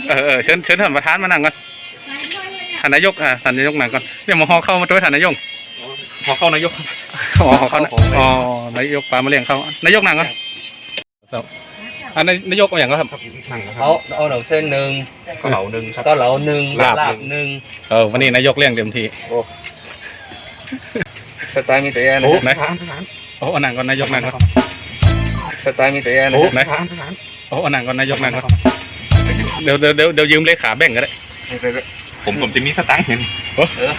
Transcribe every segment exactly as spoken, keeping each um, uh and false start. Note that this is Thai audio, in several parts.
เออเออเชิญเชิญท่านประธานมานั่งก่อนท่านนายกอ่าท่านนายกนั่งก่อนเดี๋ยวมาห่อเข้ามาด้วยท่านนายกห่อเข้านายกอ๋อห่อเข้าอ๋อนายกปลามาเลี้ยงเขานายกนั่งก่อนอันนายกเอาอย่างก็ครับเขาเอาเหลาเส้นหนึ่งก็เหลาหนึ่งก็เหลาหนึ่งลาบหนึ่งเออวันนี้นายกเลี้ยงเต็มที่โอ้สไตล์มีแต่นะโอ้ไหนโอ้นั่งก่อนนายกนั่งก่อนสไตล์มีแต่นะโอ้ไหนโอ้นั่งก่อนนายกนั่งก่อนเดี๋ยวเดี๋ยวเดี๋ยวเดี๋ยวยืมเลขาแบ่งก็ได้ผมผมจะมีสตังค์เห็นเออ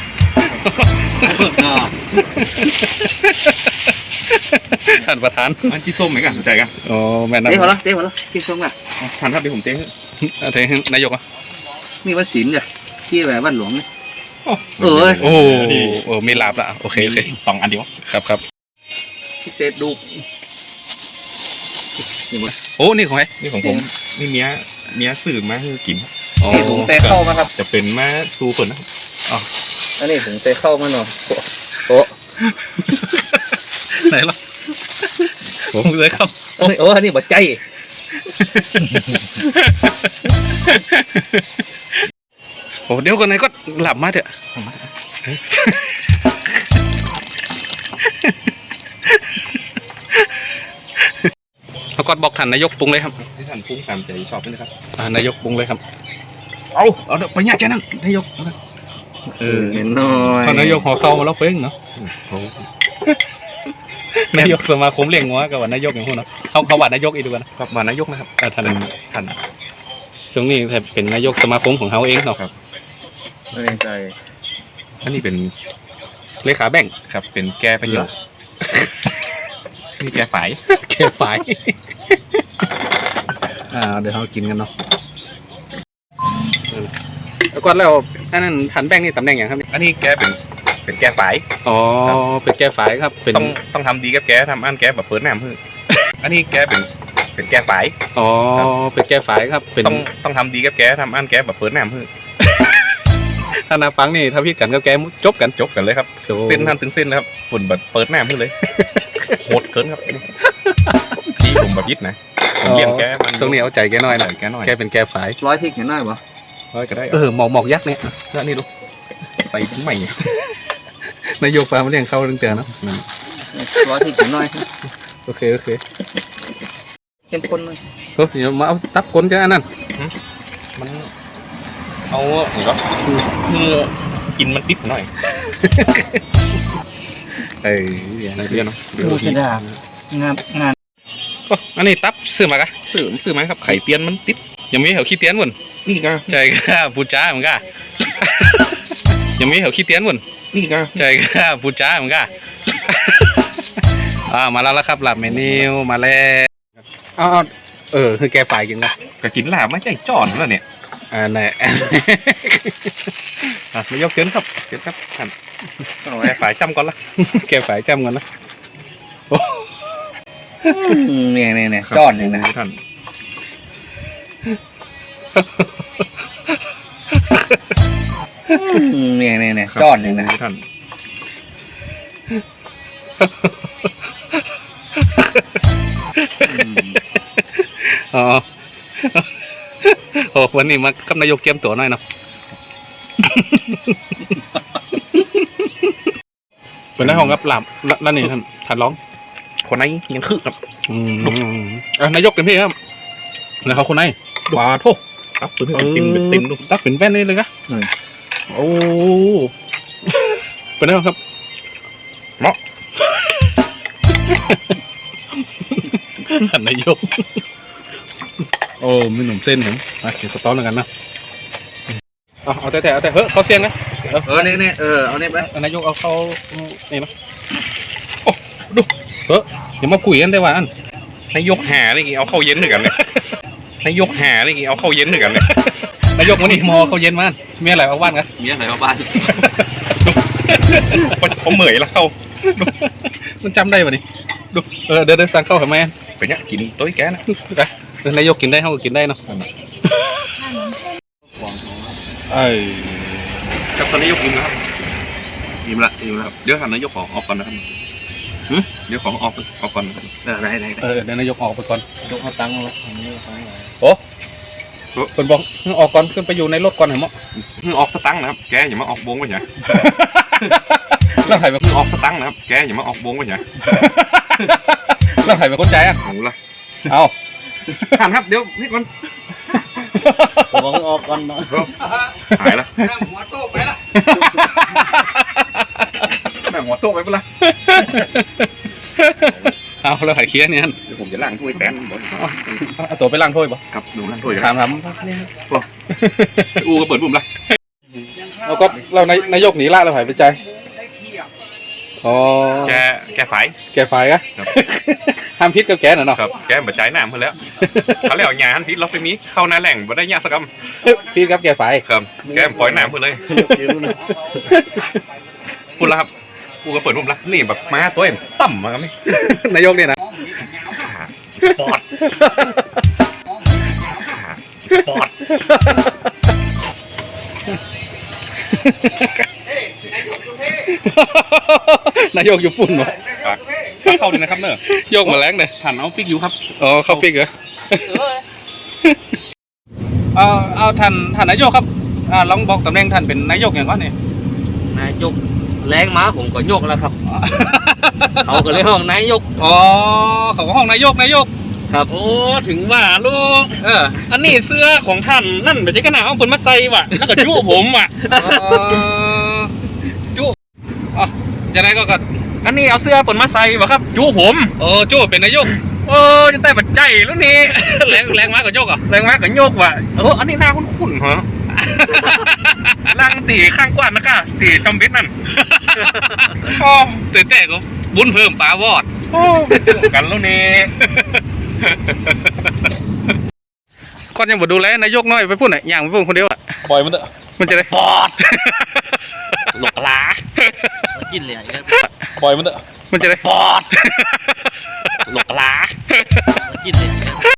ท่านประธานมันกินส้มไหมกันสนใจกันโอ้แม่นั่งเจ๊พอแล้วเจ๊พอแล้วกินส้มกันท่านครับเดี๋ยวผมเจ๊เจ๊นายกอ่ะนี่ว่าศิลป์จ้ะที่แบบบ้านหลวงนี่เออโอ้โอ้มีลาบละโอเคโอเคสองอันเดียวครับครับพิเศษดูโอ้นี่ของใครนี่ของผมนี่เมียเมียสื่อมาคือกินนี่ถุงเตะเข้ามาครับจะเป็นมาซูฝนนะอ๋ออันนี้ถุงเตะเข้ามาหน่อยโอ้ไหนล่ะผมเลยครับโอ้อันนี้บดใจโอ้เดี๋ยวก่อนไหนก็หลับมาเถอะเขาก็บอกท่านนายกปรุงเลยครับที่ท่านปรุงตามใจชอบเลยครับนายกปรุงเลยครับเอาเอาไปเนี่ยเจ้านั่งนายกเออเห็นหน่อยนายกหัวเข้ามาแล้วเฟ้งเนาะนายกสมาคมเลี้ยงงัวกับว่านายกอย่างพวกเนาะเขาเขาว่านายกอีกดูกันครับว่านายกนะครับท่านท่านช่วงนี้เป็นนายกสมาคมของเขาเองเนาะครับไม่แน่ใจอันนี้เป็นเลขาแบ่งครับเป็นแก้ประโยชน์นี่แก้ฝ่ายแก้ฝ่ายอ่าเดี๋ยวเรากินกันเนาะแล้วก็แล้วอันนั้นท่านแบ่งนี่ตำแหน่งอย่างครับอันนี้แกเป็นเป็นแก้ฝ่ายอ๋อเป็นแก้ฝ่ายครับเป็นต้องต้องทำดีกับแกทำอันแกแบบเปิดหน้ามืออันนี้แกเป็นเป็นแก้ฝ่ายอ๋อเป็นแก้ฝ่ายครับเป็นต้องต้องทำดีกับแกทำอันแกแบบเปิดหน้ามือถ้านาฟังนี่ถ้าพี่กันกับแกจบกันจบกันเลยครับเส้นทันถึงเส้นแล้วครับฝนแบบเปิดหน้ามือเลยโหดเกินครับนี่ผมแบบยิดนะผมเลี้ยงแกมันช่วงนี้เอาใจแกน้อยหน่อยแกน้อยแกเป็นแกฝ่ายร้อยที่เขียนหน่อยปะร้อยก็ได้เออหมอกหมอกยักษ์เนี่ยแล้วนี่ดูใส่ถุงใหม่นายกฟ้ามาเลี้ยงเข้าเรื่องเตือนเนาะร้อยที่เขียนหน่อยโอเคโอเคเข้มข้นเลยเฮ้ยเดี๋ยวมาเอาตับก้นจ้าอันนั้นมันเอาหรือว่าคือกินมันติดหน่อยเอ้ยอย่างนี้เนาะดูสิดามงานงานอันนี้ตับซื้อมากะซื้อซื้อมาครับไข่เตียนมันติดยังมีเหวขี้เตียนวนนี่ก็ใจก็ปูจ้าเหมือนกันยังมีเหวขี้เตียนวนนี่ก็ใจก็ปูจ้าเหมือนกันอ่ามาแล้วละครับหลับเมนูมาแล้วอ๋อเออคือแกฝ่ายกินกันก็กินหลาบไม่ใช่จอนแล้วเนี่ยอ่าไหนอ่ะไม่ยกเกินครับเกินครับท่านแกฝ่ายจำก่อนละแกฝ่ายจำก่อนนะเนี่ยเนี่ยเนี่ยจอนเนี่ยนะท่านเนี่ยเนี่ยเนี่ยจอนเนี่ยนะท่านอ๋อโอ้วันนี้มากับนายกเจียมตัวหน่อยเนาะเป็นนายห้องรับหลับนั่นนี่ท่านท่านร้องคนไหนยังคึกครับอืมอ่ะนายกเต็มที่ครับแล้วเขาคนไหนว้าโถตักเป็นติ่มเป็นติ่มดูตักเป็นแป้นนี่เลยกะโอ้เป็นไงครับเนาะนายกโอ้มีหนุ่มเส้นเห็นมาเดี๋ยวสต๊อกแล้วกันนะเอาเอาแต่แต่เอาแต่เฮ้ยเขาเสียงนะเออเนี่ยเนี่ยเออเอาเนี่ยไปนายกเอาเขานี่นะโอ้ดูเฮ้ยอย่ามาคุยกันได้ว่าอันนายกหาอะไรกี่เอาเข้าเย็นหนึ่งกันเนี่ยนายกหาอะไรกี่เอาเข้าเย็นหนึ่งกันเนี่ยนายกวันนี้มอเขาเย็นมากมีอะไรเอาบ้านกันมีอะไรเอาบ้านผมเหมื่อยแล้วเข้ามันจำได้ป่ะนี่ดูเออเดี๋ยวเดี๋ยวสั่งเข้าทำไมไปเนี่ยกินต้ยแกนะนายกกินได้เขาก็กินได้เนาะเอ้ยครับตอนนี้ยกอิ่มแล้วครับอิ่มละอิ่มแล้วครับเดี๋ยวท่านนายกขอออกก่อนนะครับเดี๋ยวขอออกออกก่อนนะครับได้ได้เออเดี๋ยวนายกออกไปก่อนยกเขาตั้งแล้วโอ้คนบอกออกก่อนขึ้นไปอยู่ในรถก่อนเหรอมั้งมึงออกสตังค์นะครับแกอย่ามาออกวงไว้เนี่ยแล้วใครเป็นมึงออกสตังค์นะครับแกอย่ามาออกวงไว้เนี่ยแล้วใครเป็นคนใจอ่ะโอ้ละเอาท่านครับเดี๋ยวนี่ก่อนมองออกก่อนเนาะหายละนั่งหัวโต๊ะไปละแม่งหัวโต๊ะไปปะล่ะเอาแล้วใครเคลียร์เนี่ยเดี๋ยวผมจะล้างถ้วยแตนบ่เอาตัวไปล้างถ้วยปะครับดูล้างถ้วยกันถามถามอูก็เปิดปุ่มละเราก็เรานายนายกหนีละเราหายไปใจอ๋อแกแกไฟแกฝ่ายอะห้ามพิษกับแกน่ะเนาะครับแกมาจ่ายน้ำเพิ่นแล้วเขาแล้วงานพิษล็อกไปนี้เข้าหน้าแหล่งบ่ได้ยากสักคพิษกับแกฝ่ายำครับแกปล่อยน้ำเพิ่นเลยพูดแล้วครับอูก็เปิดปุ่มละนี่แบบมาตัวเอ็มซ้ำมาครับนี่นายกเนี่ยนะปอดปอดนายกอยู่ปุ่นวะเข้าเลยนะครับเนอะโยกมาแรงเลยผ่านเอาปิกอยู่ครับอ๋อเข้าฟิกเหรอเอาเอาท่านท่านนายกครับอ่าลองบอกตำแหน่งท่านเป็นนายกอย่างก่อนนี่นายกแรงม้าผมก็ยกแล้วครับ เขาก็เลยห้องนายกอ๋อเขาก็ห้องนายกนายกครับโอ้ถึงว่าลูกเอออันนี้เสื้อของท่านนั่นเป็นที่ขนาดเอาเพิ่นมาใส่ว่ะแล้วก็จุผมว่ะจุอ๋อจะได้ก็ก็อันนี้เอาเสื้อเพิ่นมาใส่ว่ะครับจุผมโอ้จุเป็นนายกเออจะแต่ปัจจัยแล้วนี่แรงแรงมากกว่าโยกอ่ะแรงมากกับโยกว่ะเอออันนี้หน้าคุ้นๆเหรอล่างตีข้างกว้านนะก้าตีจอมเบ็ดนั่นอ๋อตื่นแต่ก็บุญเพิ่มปลาวอดโอ้กันแล้วนี่ก่อนยังบ่ดูแลนายกน้อยไปพูดไหนอย่างไปพูดคนเดียวอ่ะปล่อยมันเถอะมันจะได้ปอดหลกลากินเลยปล่อยมันเถอะมันจะได้ปอดหลกลากินเลย